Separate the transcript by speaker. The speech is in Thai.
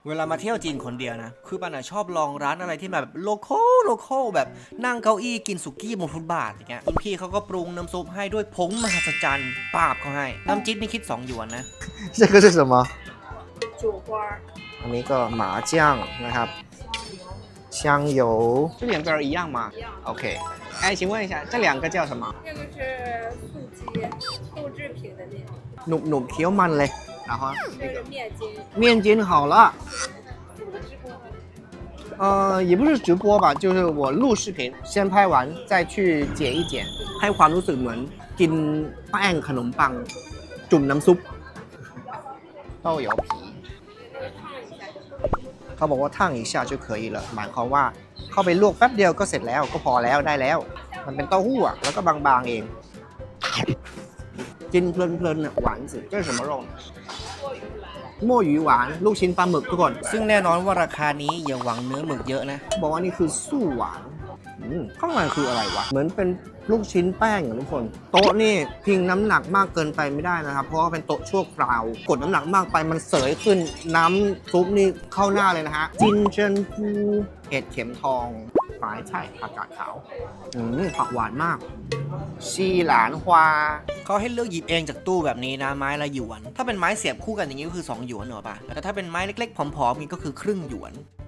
Speaker 1: เวลามาเที่ยวจีนคนเดียวนะคือปันชอบลองร้านอะไรที่แบบโลคอลแบบนั่งเก้าอี้กินสุกี้บนฟุตบาทอย่างเงี้ยคุณพี่เขาก็ปรุงน้ำซุปให้ด้วยผงมหัศจรรย์ปาบเขาให้น้ำจิ้มนี่คิด2 หยวนนะ
Speaker 2: 这个是什么
Speaker 3: 酒花
Speaker 2: อันนี้ก็หมา酱นะครับ香油
Speaker 4: 这两个一样吗
Speaker 3: 一样
Speaker 4: ？OK，哎，请问一下，这两个叫什么？
Speaker 3: 这个是素鸡豆制品的那种
Speaker 2: หนุบๆเคี้ยวมันเลย然后
Speaker 3: 这是面筋
Speaker 2: 面筋好了也不是直播吧就是我录视频先拍完再去剪一剪ให้ความรู้สึกเหมือนกินแป้งขนมปังจุ่มน้ำซุป
Speaker 4: 豆油皮。
Speaker 2: เขาบอกว่าทั่งอีกชา就可以了หมายความว่าเข้าไปลวกแป๊บเดียวก็เสร็จแล้วก็พอแล้วได้แล้วมันเป็นเต้าหู้อ่ะแล้วก็บางๆเองกินเพลินๆอ่ะหวานสิ这是什么肉墨鱼หวานลูกชิ้นปลาหมึกทุกคน
Speaker 1: ซึ่งแน่นอนว่าราคานี้อย่าหวังเนื้อหมึกเยอะนะ
Speaker 2: บอกว่านี่คือสู้หวานข้างในคืออะไรวะเหมือนเป็นลูกชิ้นแป้งอ่ะทุกคนโต๊ะนี่พิงน้ำหนักมากเกินไปไม่ได้นะครับเพราะว่าเป็นโต๊ะชั่วคราวกดน้ำหนักมากไปมันเสยขึ้นน้ำซุปนี่เข้าหน้าเลยนะฮะจินเจิ้นฟูเห็ดเข็มทองฝายไช่ผักกาดขาวผักหวานมากชีหลานฮวา
Speaker 1: เขาให้เลือกหยิบเองจากตู้แบบนี้นะไม้ละหยวน ถ้าเป็นไม้เสียบคู่กันอย่างนี้ก็คือ2 หยวนเหรอปะแต่ถ้าเป็นไม้เล็กๆผอมๆนี่ก็คือครึ่งหยวน